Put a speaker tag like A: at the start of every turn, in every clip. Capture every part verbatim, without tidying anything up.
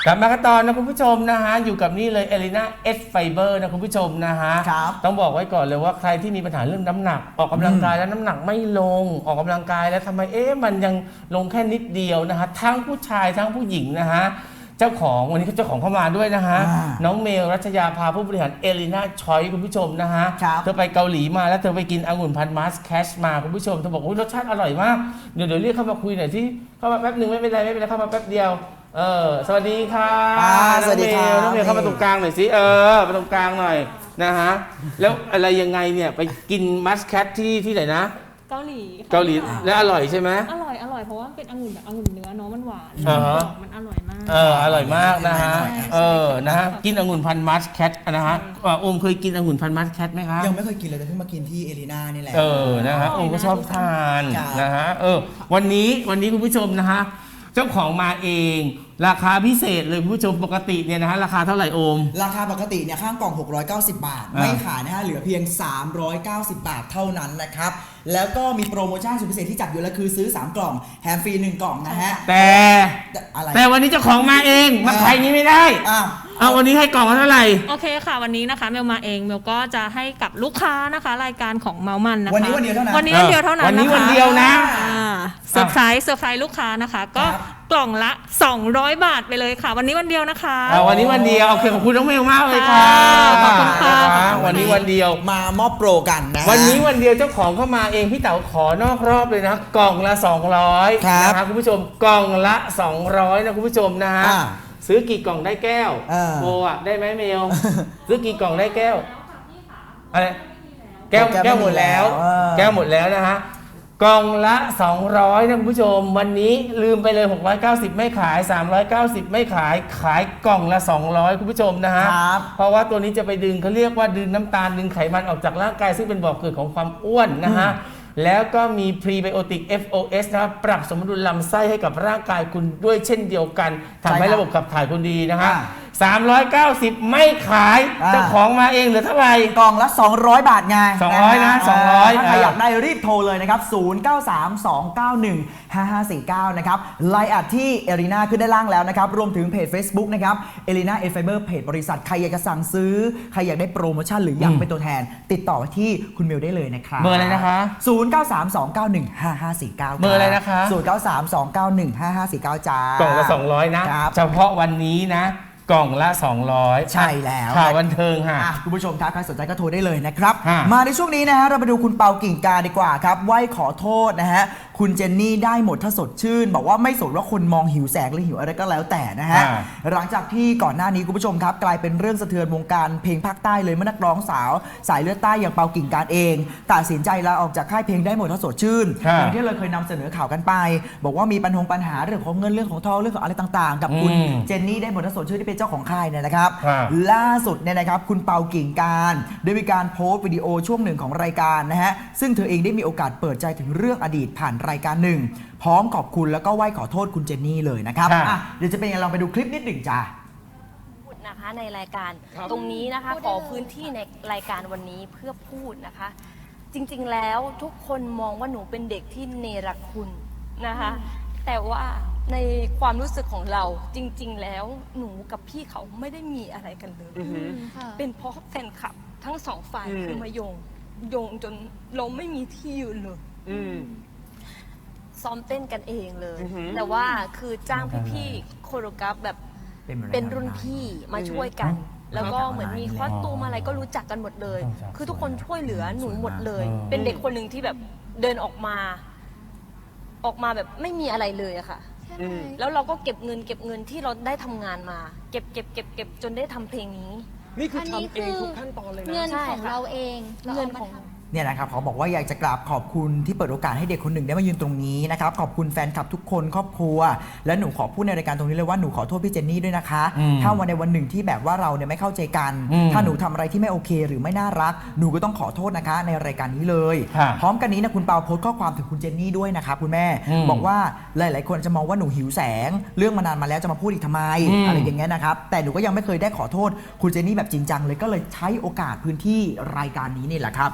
A: กลับมากันตอนนะคุณผู้ชมนะฮะอยู่กับนี่เลยเอลิน่าเอสไฟเบอร์นะคุณผู้ชมนะฮะต้องบอกไว้ก่อนเลยว่าใครที่มีปัญหาเรื่องน้ำหนักออกกำลังกายแล้วน้ำหนักไม่ลงออกกำลังกายแล้วทำไมเอ๊ะมันยังลงแค่นิดเดียวนะฮะทั้งผู้ชายทั้งผู้หญิงนะฮะเจ้าของวันนี้เจ้าของเข้ามาด้วยนะฮะน้องเมลรัชยาภาผู้บริหารเอลิน่าชอยคุณผู้ชมนะฮะเธอไปเกาหลีมาแล้วเธอไปกินองุ่นพันธุ์มัสแคชมาคุณผู้ชมเธอบอกว่ารสชาติอร่อยมากเดี๋ยวเดี๋ยวเรียกเข้ามาคุยหน่อยที่เข้ามาแป๊บหนึ่งไม่เป็นไรไม่เป็นไรเข้ามาแป๊บเดียวเออสวัสดีค่ะ
B: สวัสดีครับ
A: น้องเมลเข้ามาตรงกลางหน่อยสิเออมาตรงกลางหน่อยนะฮะแล้วอะไรยังไงเนี่ยไปกินมัสแคชที่ที่ไหนนะ
C: เกาหลี
A: เกาหลีแล้วอร่อยใช่ไหม
C: อร่อยอร่อยเพราะว่าเป็นองุ่นแบบองุ่นเนื้อเนาะมันหวานมันอร่อยมาก
A: เอออร่อยมากนะฮะเออนะฮะกินองุ่นพันธุ์มัสแคทนะฮะโอมเคยกินองุ่นพันธุ์มัสแคทไหมคะ
B: ยังไม่เคยกินเลยแต่เพิ่งมากินที่เอลิน่านี่แหละ
A: เออนะฮะโอมก็ชอบทานนะฮะเออวันนี้วันนี้คุณผู้ชมนะฮะเจ้าของมาเองราคาพิเศษเลยคุณผู้ชมปกติเนี่ยนะฮะราคาเท่าไหร่โอม
B: ราคาปกติเนี่ยข้างกล่องหกร้อยเก้าสิบบาทไม่ขายนะฮะเหลือเพียงสามร้อยเก้าสิบบาทเท่านั้นนะครับแล้วก็มีโปรโมชั่นสุดพิเศษที่จัดอยู่แล้วคือซื้อสามกล่องแถมฟรีหนึ่งกล่องนะฮะ
A: แต่
B: อะไร
A: แต่วันนี้เจ้าของมาเองมาขายนี้ไม่ได้อ้าวเอาวันนี้ให้กล่องเท่าไหร่
C: โอเคค่ะวันนี้นะคะเมลมาเองเมลก็จะให้กับลูกค้านะคะรายการของเมามันนะคะ
B: วันนี้วันเดียวเท่านั้น
C: วันนี้วันเดียวเท่านั้น
A: วันนี้วันเดียวนะ
C: เซอร์ไพรส์เซอร์ไพรส์ลูกค้านะคะก็กล่องละสองร้อยบาทไปเลยค่ะวันนี้วันเดียวนะคะ
A: วันนี้วันเดียวโอเคขอบคุณน้องเมลมากเลยค่ะ
C: ขอบคุณค่ะ
A: วันนี้วันเดียว
B: มามอบโปรกันนะ
A: วันนี้วันเดียวเจ้าของเข้ามาเองพี่เต๋าขอนอกรอบเลยนะกล่องละสองร้อยนะครับคุณผู้ชมกล่องละสองร้อยนะคุณผู้ชมนะฮะซื้อกี่กล่องได้แก้วโบอ่ะได้ไหมเมลซื้อกี่กล่องได้แก้วอะไรแก้วแก้วหมดแล้วแก้วหมดแล้วนะฮะกล่องละสองร้อยนะคุณผู้ชมวันนี้ลืมไปเลยหกร้อยเก้าสิบไม่ขายสามร้อยเก้าสิบไม่ขายขายกล่องละสองร้อยคุณผู้ชมนะฮะเพราะว่าตัวนี้จะไปดึงเขาเรียกว่าดึงน้ำตาลดึงไขมันออกจากร่างกายซึ่งเป็นบ่อเกิดของความอ้วนนะฮะแล้วก็มีพรีไบโอติก เอฟ โอ เอส นะครับปรับสมดุลลำไส้ให้กับร่างกายคุณด้วยเช่นเดียวกันทำให้ระบบขับถ่ายคุณดีนะฮะสามร้อยเก้าสิบไม่ขายเจ้าของมาเองเหลือเท่าไหร่
B: กล่องละสองร้อยบาทไง
A: สองร้อยนะสองร้อย
B: ถ้าใครอยากได้รีบโทรเลยนะครับศูนย์ เก้า สาม สอง เก้า หนึ่ง ห้า ห้า สี่ เก้านะครับไลน์แอดที่เอลิน่าขึ้นด้านล่างแล้วนะครับรวมถึงเพจ Facebook นะครับเอลิน่าเอไฟเบอร์เพจบริษัทใครอยากจะสั่งซื้อใครอยากได้โปรโมชั่นหรืออยากเป็นตัวแทนติดต่อที่คุณเมลได้เลยนะครับ
A: เบอร์อะไรนะคะ
B: ศูนย์ เก้า สาม สอง เก้า หนึ่ง ห้า ห้า สี่ เก้า
A: เบอร์อะไรนะคะ
B: ศูนย์ เก้า สาม สอง เก้า หนึ่ง ห้า ห้า สี่ เก้าจ้าก
A: ล่องละสองร้อยนะเฉพาะวันนี้นะกล่องละสองร้อย
B: ใช่แล้ว
A: ข่าวบันเทิงค่ะ
B: คุณผู้ชมครับใครสนใจก็โทรได้เลยนะครับมาในช่วงนี้นะฮะเราไปดูคุณเปากิ่งการดีกว่าครับไหว้ขอโทษนะฮะคุณเจนนี่ได้หมดถ้าสดชื่นบอกว่าไม่สนว่าคนมองหิวแสงหรือหิวอะไรก็แล้วแต่นะฮะหลังจากที่ก่อนหน้านี้คุณผู้ชมครับกลายเป็นเรื่องสะเทือนวงการเพลงภาคใต้เลยเมื่อนักร้องสาวสายเลือดใต้อย่างเปากิ่งการเองตัดสินใจลาออกจากค่ายเพลงได้หมดถ้าสดชื่นอย่างที่เราเคยนำเสนอข่าวกันไปบอกว่ามีปัญหาปัญหาเรื่องของเงินเรื่องของทองเรื่องของอะไรต่างๆกับคุณเจนนี่ได้หมดถ้าสดชื่นที่เป็นเจ้าของค่ายเนี่ยนะครับล่าสุดเนี่ยนะครับคุณเปากิ่งการได้มีการโพสต์วิดีโอช่วงหนึ่งของรายการนะฮะซึ่งเธอเองได้มีโอกาสเปิดใจถึงเรื่องอดีตผ่านรายการหนึ่งพร้อมขอบคุณแล้วก็ไหว้ขอโทษคุณเจนนี่เลยนะครับเดี๋ยวจะเป็นยังไงลองไปดูคลิปนิดหนึ่งจ้า
D: พูดนะคะในรายการตรงนี้นะคะขอพื้นที่ในรายการวันนี้เพื่อพูดนะคะจริงๆแล้วทุกคนมองว่าหนูเป็นเด็กที่เนรคุณนะคะแต่ว่าในความรู้สึกของเราจริงๆแล้วหนูกับพี่เขาไม่ได้มีอะไรกันเลยเป็นเพราะแฟนคลับทั้งสองฝ่ายคือมาโยงโยงจนเราไม่มีที่ยืนเลยซ้อมเต้นกันเองเลยแต่ว่าคือจ้างพี่ๆโคโรกราฟแบบเป็นรุ่นพี่มาช่วยกันแล้วก็เหมือนมีคอสตูมอะไรก็รู้จักกันหมดเลยคือทุกคนช่วยเหลือหนูหมดเลยเป็นเด็กคนหนึ่งที่แบบเดินออกมาออกมาแบบไม่มีอะไรเลยอะค่ะแล้วเราก็เก็บเงินเก็บเงินที่เราได้ทำงานมาเก็บเก็บเก็บเก็บจนได้ทำเพลงนี้
E: นี่คือทำเองทุกขั้นตอนเลยนะ
F: เงินของเราเอง
D: เงินของ
B: เนี่ยนะครับเขาบอกว่าอยากจะกราบขอบคุณที่เปิดโอกาสให้เด็กคนหนึ่งได้มายืนตรงนี้นะครับขอบคุณแฟนคลับทุกคนครอบครัวและหนูขอพูดในรายการตรงนี้เลยว่าหนูขอโทษพี่เจนนี่ด้วยนะคะถ้าวันในวันหนึ่งที่แบบว่าเราเนี่ยไม่เข้าใจกันถ้าหนูทำอะไรที่ไม่โอเคหรือไม่น่ารักหนูก็ต้องขอโทษนะคะในรายการนี้เลยพร้อมกันนี้นะคุณเปาโพสต์ข้อความถึงคุณเจนนี่ด้วยนะครับคุณแม่บอกว่าหลายๆคนจะมองว่าหนูหิวแสงเรื่องมานานมาแล้วจะมาพูดอีกทำไมอะไรอย่างเงี้ยนะครับแต่หนูก็ยังไม่เคยได้ขอโทษคุณเจนนี่แบบจริงจังเลยก็เลยใช้โอกาสพื้นที่รายการนี้นี่แหละครับขอ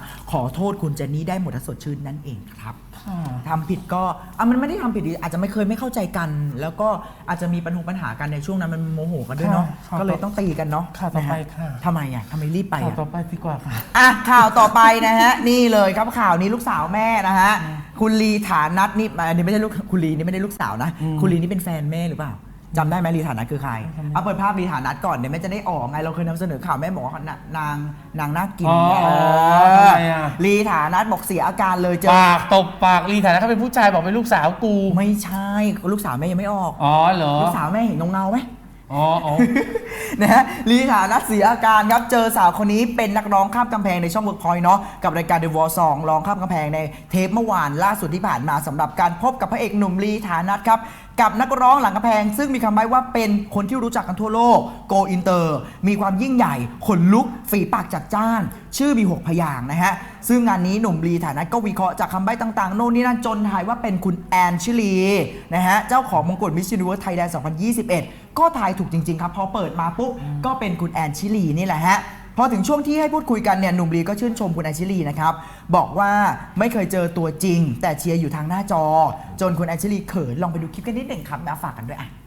B: โทษคุณเจนนี่ได้หมดถ้าสดชื่นนั่นเองครับทำผิดก็อ่ะมันไม่ได้ทำผิดดิอาจจะไม่เคยไม่เข้าใจกัน แล้วก็อาจจะมีปัญหาปัญหากันในช่วงนั้นมันโมโหกันด้วยเนาะ
A: ค่ะ
B: ก็เลยต้องตีกันเนาะ
A: ค่ะต่อไป
B: นฮ
A: ค่ะ
B: ทำไมอ่ะทำไมรีบไป
A: ข่าว
B: อ่ะ
A: ต่อไปดีกว่าค่ะ
B: อ่ะข่าวต่อไปนะฮะ นี่เลยครับข่าวนี้ลูกสาวแม่นะฮะ คุณลีฐานัทนี่อันนี้ไม่ได้ลูกคุณลีนี่ไม่ได้ลูกสาวนะ คุณลีนี่เป็นแฟนแม่หรือเปล่าจำได้ไหมลีฐานัทคือใครเอาเปิดภาพลีฐานัทก่อนเดี๋ยวแม่จะได้ออกไงเราเคยนำเสนอข่าวแม่บอกว่านนางนางน่ากิน
A: อ๋อ
B: เอ
A: ทำ
B: อ
A: ไมอ่ะ
B: ลีฐานัทบอกเสียอาการเลยเจอ
A: ปากตบปากลีฐานะเขาเป็นผู้ชายบอกเป็นลูกสาวกู
B: ไม่ใช่ลูกสาวแม่ยังไม่ออก
A: อ๋อเหรอ
B: ลูกสาวแม่เห็นเงาๆไหม
A: อ๋ออ๋อ
B: นะฮะลีฐานัทเสียอาการครับเจอสาวคนนี้เป็นนักร้องข้ามกำแพงในช่อง Workpoint เนาะกับรายการ The Wall สองร้องข้ามกำแพงในเทปเมื่อวานล่าสุดที่ผ่านมาสำหรับการพบกับพระเอกหนุ่มลีฐานัทครับกับนักร้องหลังกำแพง ซึ่งมีคำใบ้ว่าเป็นคนที่รู้จักกันทั่วโลกโกอินเตอร์มีความยิ่งใหญ่ขนลุกฝีปากจัดจ้าน ชื่อมีหกพยางค์นะฮะซึ่งงานนี้หนุ่มลีฐานัทก็วิเคราะห์จากคำใบ้ต่างๆโน่นนี่นั่นจนทายว่าเป็นคุณแอนชิลีนะฮะเจ้าของมงกุฎ Miss Universe Thailand สองพันยี่สิบเอ็ดก็ทายถูกจริงๆครับพอเปิดมาปุ๊บก็เป็นคุณแอนชิลีนี่แหละฮะพอถึงช่วงที่ให้พูดคุยกันเนี่ยหนุ่มลีก็ชื่นชมคุณแอนชิลีนะครับบอกว่าไม่เคยเจอตัวจริงแต่เชียร์อยู่ทางหน้าจอจนคุณแอนชิลีเขินลองไปดูคลิปกันนิดหนึ่งครับมาฝากกันด้วยอ่ะ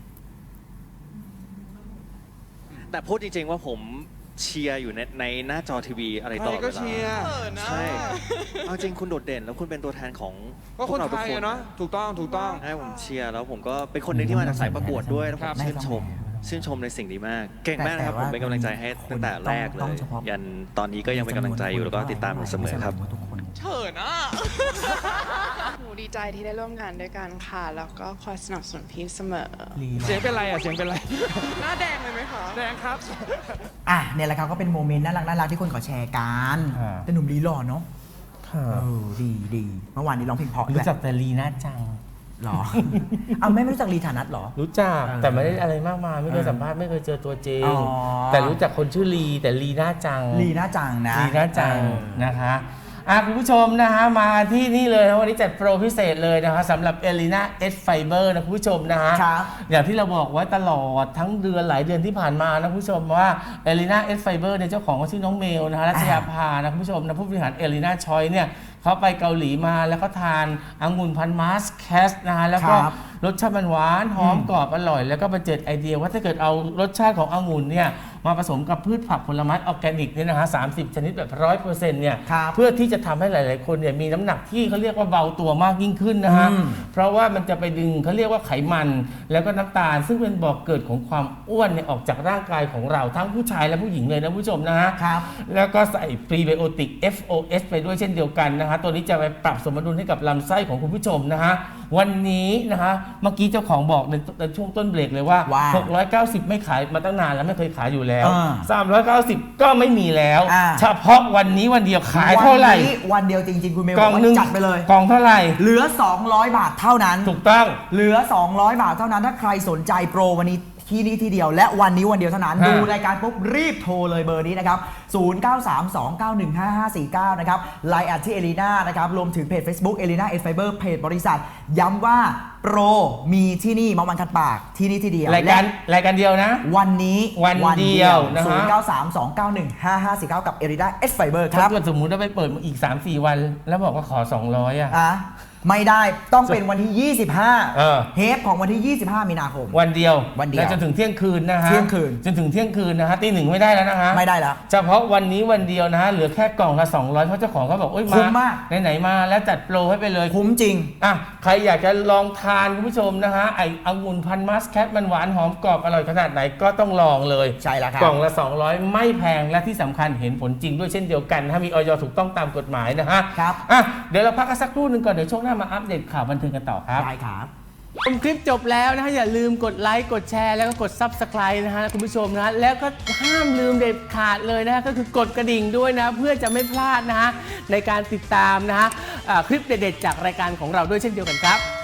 F: แต่พูดจริงๆว่าผมเชียร์อยู่ในในหน้าจอทีวีอะไรตลอดเวลา
E: ก็เชียร์
F: ใช่เอาจริงคุณโดดเด่นแล้วคุณเป็นตัวแทนของ
E: ก็
F: พ
E: ค
F: วน กเรา
E: ไท
F: ทุก
E: ย
F: คน
E: อะเนาะถูกต้องถูกต้อง
F: ใช่ผมเชียร์แล้วผมก็เป็นคนหนึ่งที่มาจากสายประกวดด้วยแล้วผ
E: ครั
F: ม
E: บ
F: ชื่นชมชื่นชมในสิ่งนี้มาก เก่งมากนะครับผมเป็นกำลังใจให้ตั้งแต่แรกเลยยันตอนนี้ก็ยังเป็นกำลังใจอยู่แล้วก็ติดตามอยู่เสมอครับ
E: เฉินอ่ะ
G: หนูดีใจที่ได้ร่วมงานด้วยกันค่ะ แล้วก็คอยสนับสนุนพี่เสมอ
E: เสียงเป็นไรอ่ะเสียงเป็นไร
G: หน้าแดงเลยไหมคะ
E: แดงครับ
B: อ่ะเนี่ยแหละครับก็เป็นโมเมนต์น่ารักน่ารักที่คนขอแชร์กัน
A: อ่า
B: แต่หนุ่มลีหล่อเนาะ
A: ค่ะ
B: เออดีดีเมื่อวานนี้ร้องเพลงเพราะ
A: รู้
B: ด้วย
A: จักแต่ลีน่าจัง
B: หรอ เอาแม่ไม่รู้จักลีฐานัทหรอ
A: รู้จัก
B: เออ
A: แต่ไม่ได้อะไรมากมายไม่เคย
B: เออ
A: สัมภาษณ์ไม่เคยเจอตัวจริง
B: อ๋อ
A: แต่รู้จักคนชื่อลีแต่ลีน่าจัง
B: ลีน่าจังนะ
A: ลีน่าจัง
B: เออ
A: นะคะอ่ะคุณผู้ชมนะฮะมาที่นี่เลยนะวันนี้จัดโปรพิเศษเลยนะคะสำหรับ Elina S Fiber นะคุณผู้ชมนะฮะ
B: ครับ
A: อย่างที่เราบอกไว้ตลอดทั้งเดือนหลายเดือนที่ผ่านมานะคุณผู้ชมว่า Elina S Fiber เนี่ยเจ้าของเขาชื่อน้องเมลนะฮะรัชยาภานะคุณผู้ชมนะผู้บริหาร Elina Choi เนี่ยเขาไปเกาหลีมาแล้วก็ทานองุ่นพันธุ์มาสแคสนะฮะแล้วก็
B: ครับ
A: รสชาติมันหวานหอมกรอบอร่อย แล้วก็มาเจิดไอเดียว่าถ้าเกิดเอารสชาติขององุ่นเนี่ยมาผสมกับพืชผักผลไม้ออร์แกนิกเนี่ยนะฮะสามสิบชนิดแบบร้อยเปอร์เซ็นต์เนี่ย
B: ครับ
A: เพื่อที่จะทำให้หลาย ๆ คนเนี่ยมีน้ำหนักที่เขาเรียกว่าเบาตัวมากยิ่งขึ้นนะฮะ
B: อืม
A: เพราะว่ามันจะไปดึงเขาเรียกว่าไขมัน แล้วก็น้ำตาล ซึ่งเป็นบ่อกเกิดของความอ้วนเนี่ยออกจากร่างกายของเราทั้งผู้ชายและผู้หญิงเลยนะผู้ชมนะฮะ
B: ครับ
A: แล้วก็ใส่พรีไบโอติก เอฟ โอ เอส ไปด้วยเช่นเดียวกันนะฮะตัวนี้จะไปปรับสมดุลให้กับลำไส้ของคุณผู้ชมนะฮะวันนี้นะฮะเมื่อกี้เจ้าของบอกในในช่วงต้นเบรกเลยว่า
B: ว่า
A: หกร้อยเก้าสิบไม่ขายมาตั้งนานแล้วไม่เคยขายอยู่แล้ว
B: อ่า
A: สามร้อยเก้าสิบก็ไม่มีแล้ว
B: อ่า
A: เฉพาะวันนี้วันเดียวขายเท่าไหร่
B: วันนี้วันเดียวจริง ๆ คุณเมล
A: กล่อง
B: บอก
A: หนึ่ง
B: ว่าจัดไปเลย
A: กล่องเท่าไหร่
B: เหลือ สองร้อย บาทเท่านั้น
A: ถูกต้อง
B: เหลือ สองร้อย บาทเท่านั้น ถ้าใครสนใจโปรวันนี้ที่นี่ทีเดียว และวันนี้วันเดียวเท่านั้น
A: ฮะ
B: ดูรายการปุ๊บรีบโทรเลยเบอร์นี้นะครับ ศูนย์ เก้า สาม สอง เก้า หนึ่ง ห้า ห้า สี่ เก้า นะครับ ไลน์ แอท ที่ Elina นะครับ รวมถึงเพจ Facebook Elina S Fiber เพจบริษัท ย้ำว่าโปรมีที่นี่มาวันคัดปากที่นี่ทีเดียว
A: รายการรายการเดียวนะ
B: วันนี้
A: วันเดียวนะฮะ
B: ศูนย์ เก้า สาม สอง เก้า หนึ่ง ห้า ห้า สี่ เก้า กับ Elina S Fiber ค
A: ถ้า
B: รับ
A: เกิดสมมุติว่าไปเปิดมาอีก สามสี่ วัน แล้วบอกว่าขอ สองร้อยอ่ะ
B: อ่ะไม่ได้ต้องเป็นวันที่ ยี่สิบห้า
A: เออ
B: เทปของวันที่ ยี่สิบห้า มีนาคม
A: วันเดียว
B: วันเดียว
A: และจนถึงเที่ยงคืนนะฮะ
B: เที่ยงคืน
A: จนถึงเที่ยงคืนนะฮะตีหนึ่งไม่ได้แล้วนะฮะ
B: ไม่ได้แล้ว
A: เฉพาะวันนี้วันเดียวนะฮะเหลือแค่กล่องละสองร้อยเพราะเจ้าของเขาบอกโอ๊ย
B: คุ้มมาก
A: ไหนๆมาแล้วจัดโปรให้ไปเลย
B: คุ้มจริง
A: อ่ะใครอยากจะลองทานคุณผู้ชมนะฮะไอ้องุ่นพันธุ์มัสแคทมันหวานหอมกรอบอร่อยขนาดไหนก็ต้องลองเลย
B: ใช่แล้วครับ
A: กล่องละสองร้อยไม่แพงและที่สำคัญเห็นผลจริงด้วยเช่นเดียวกันนะฮะมีออยถูกต้องตามกฎหมายนะฮะ
B: ครับ
A: อ่ะเดี๋ยวเราพักกันสักครู่หนึ่งก่อนเดี๋ยวช่วงหน้ามาอัปเดตข่าวบันเทิงกันต่อครับ
B: ได้ครับ
A: ชมคลิปจบแล้วนะฮะอย่าลืมกดไลค์กดแชร์แล้วก็กด Subscribe นะฮะคุณผู้ชมนะแล้วก็ห้ามลืมเด็ดขาดเลยนะฮะก็คือกดกระดิ่งด้วยนะเพื่อจะไม่พลาดนะฮะในการติดตามนะฮะอ่าคลิปเด็ดๆจากรายการของเราด้วยเช่นเดียวกันครับ